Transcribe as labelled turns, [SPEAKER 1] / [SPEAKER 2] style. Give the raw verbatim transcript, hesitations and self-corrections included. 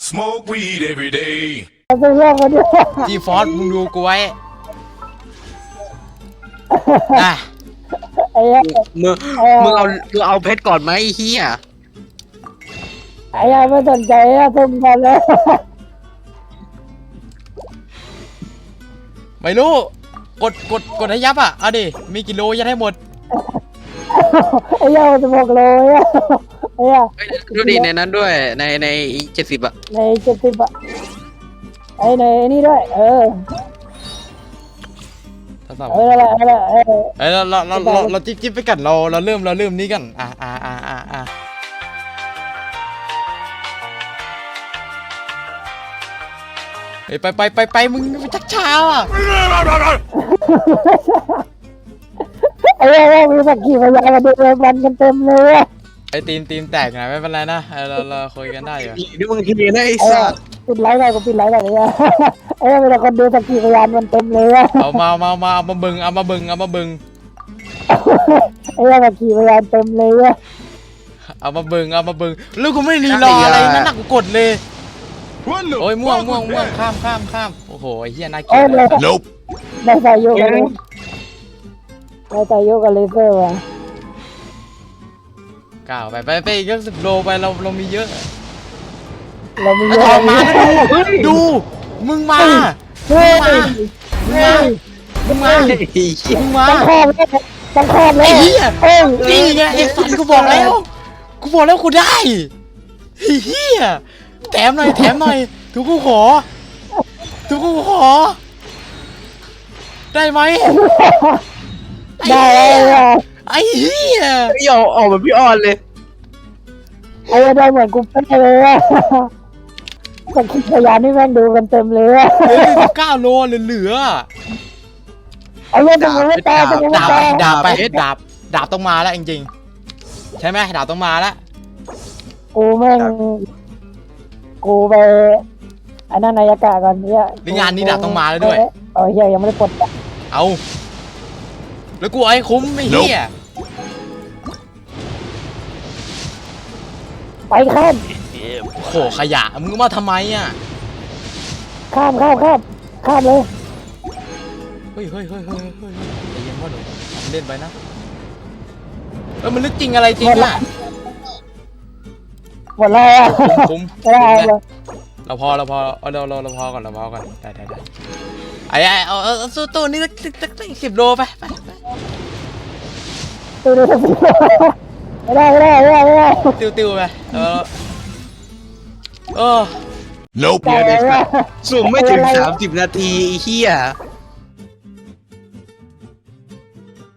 [SPEAKER 1] Smoke weed every day.
[SPEAKER 2] ไปเรื่องกันด้วย
[SPEAKER 3] จีฟอสมึงดูกูไว้นะ
[SPEAKER 2] ไอ้เหี้ย
[SPEAKER 4] มึงมึงเอามึงเอาเพชรก่อนไหมไอ้เฮีย
[SPEAKER 2] ไอ้เหี้ยไม่สนใจอะทุ่มกันเลย
[SPEAKER 3] ไม่รู้กดกดกดให้ยับอ่ะเอาดิมีกิโลยัดให้หมด
[SPEAKER 2] ไอ้เหี้ยมันจะบอกเลยอะไอ้เหี้ย
[SPEAKER 4] เฮ้ยดูดิในนั้นด้วยในในเจ็ดสิบอะ
[SPEAKER 2] ในเจ็ดสิบอะไอ้ในนี่ด้วยเออ
[SPEAKER 3] ทดสอบ
[SPEAKER 2] เอออะไรอะไรเออ
[SPEAKER 3] เอ้ยเราเราเราเราเราจิ๊บจิ๊บไปกันเราเราเริ่มเราเริ่มนี้กันอ่ะอ่ะอ่ะอ่ะอ่ะเฮ้ยไปไปไปไปมึงไปชักช้าอ่ะ
[SPEAKER 2] ไอ้เหี้ยมีสักกี่พยานมาดูเลยมันกันเต็มเลยอะ
[SPEAKER 3] ไอ้ตีนตีนแตกนะไม่เป็นไรนะเออเราเราคุยกันได้อยู่
[SPEAKER 4] นี่มึงเฮียนะไอ้
[SPEAKER 2] ไอ้
[SPEAKER 4] สัส
[SPEAKER 2] ปิดไลฟ์ได้ก็ปิดไลฟ์ได้เลยอะไอ้เวลาคนดูสักกี่พยานมันเต็มเลยอะ
[SPEAKER 3] เอามามามาเอามาบึงเอามาบึงเอามาบึง
[SPEAKER 2] ไอ้สักกี่พยานเต็มเลยอะ
[SPEAKER 3] เอามาบึงเอามาบึงแล้วกูไม่รีรออะไรนั่นน่ะกูกดเลย
[SPEAKER 1] What the
[SPEAKER 3] โอ้ยม่วง
[SPEAKER 1] fuck
[SPEAKER 3] ม่วง
[SPEAKER 1] was
[SPEAKER 3] ม่วง
[SPEAKER 1] that?
[SPEAKER 3] ข้ามข้ามข้ามโอ้โหไอ้เหี้ยน่าเกลี
[SPEAKER 2] เอ้
[SPEAKER 3] ย
[SPEAKER 2] ย
[SPEAKER 3] ด
[SPEAKER 2] เลย
[SPEAKER 1] Nope.
[SPEAKER 2] ได้ใส่โยกันเลยได้ใส่โยกันเลเซอร์ว่ะ
[SPEAKER 3] ก้าวไปไปไปอีกสิบโลไปเราเรามีเยอะ
[SPEAKER 2] เรามี
[SPEAKER 3] ไอ้
[SPEAKER 2] เย
[SPEAKER 3] ท
[SPEAKER 2] อะ
[SPEAKER 3] องมาแล้วดูดูมึงมา
[SPEAKER 2] เฮ้ย
[SPEAKER 3] มึงมามึงมา
[SPEAKER 4] ไอ้เหี้ย
[SPEAKER 3] มึงมา
[SPEAKER 2] ต้องครอบเลยต้องครอบเลย
[SPEAKER 3] ไอ้เหี้ย
[SPEAKER 2] เอ้ย
[SPEAKER 3] นี่ไงไอ้สันกูบอกแล้วกูบอกแล้วกูได้ไอ้เหี้ยแถมหน่อยแถมหน่อยทุกกูขอทุกกูขอได้ไหม
[SPEAKER 2] ได้เลย
[SPEAKER 3] ไอ้เหี้ย
[SPEAKER 4] ไอ้ออกออกแบบพี่ออนเลย
[SPEAKER 2] ไอ้ได้เหมือนกูเป๊ะเลยอะสักกี่พยานนี่แม่งดูกันเต็มเลยอะ
[SPEAKER 3] เหลือสิบเก้าโลเหลือ
[SPEAKER 2] ไอ้เรื่องตรงนี้ไม่ตายตรงนี้ไม่
[SPEAKER 3] ดาบ
[SPEAKER 2] ตาย
[SPEAKER 3] ดาบไปดาบดาบต้องมาแล้วจริงๆใช่ไหมดาบต้องมาแล้ว
[SPEAKER 2] กูแม่งกูไปอันนั้นนายกะก่อนเนี่ย
[SPEAKER 3] ในงานนี้ดาบต้องมาแล้วด้วย
[SPEAKER 2] เออเฮียยังไม่ได้ปลดอะ
[SPEAKER 3] เอาแล้วกูเอาให้คุ้มไม่เหี้ย
[SPEAKER 2] ไปข้าม
[SPEAKER 3] โหขยะมึงมาทำไมอ่ะ
[SPEAKER 2] ข้ามข้ามข้ามข้ามเลย
[SPEAKER 3] เฮ้ยเฮ้ยเฮ้ยเฮ้ยเฮ้ยใจเย็นพ่อหนุ่มเล่นไปนะเออมันลึกจริงอะไรจริงอ่ะ
[SPEAKER 2] หมดแล้วอะ
[SPEAKER 3] คุ้ม
[SPEAKER 2] ไม่ได้เลย
[SPEAKER 3] เราพอเราพอเอาเราเราเราพอก่อนเราพอก่อนได้ได้ได้ไอ้ไอ้เอาเอาสู้ตู้นี่สักสักสักสิบโลไปไปไป
[SPEAKER 2] ตัวนี้ไม่ได้ไม่ได้ไม่ได้ไม่ได้
[SPEAKER 3] ติวติวไปเออเออ
[SPEAKER 1] Nope.
[SPEAKER 2] ไม่ได้
[SPEAKER 4] สุ่มไม่ถึงสามสิบนาทีไอ้เหี้ย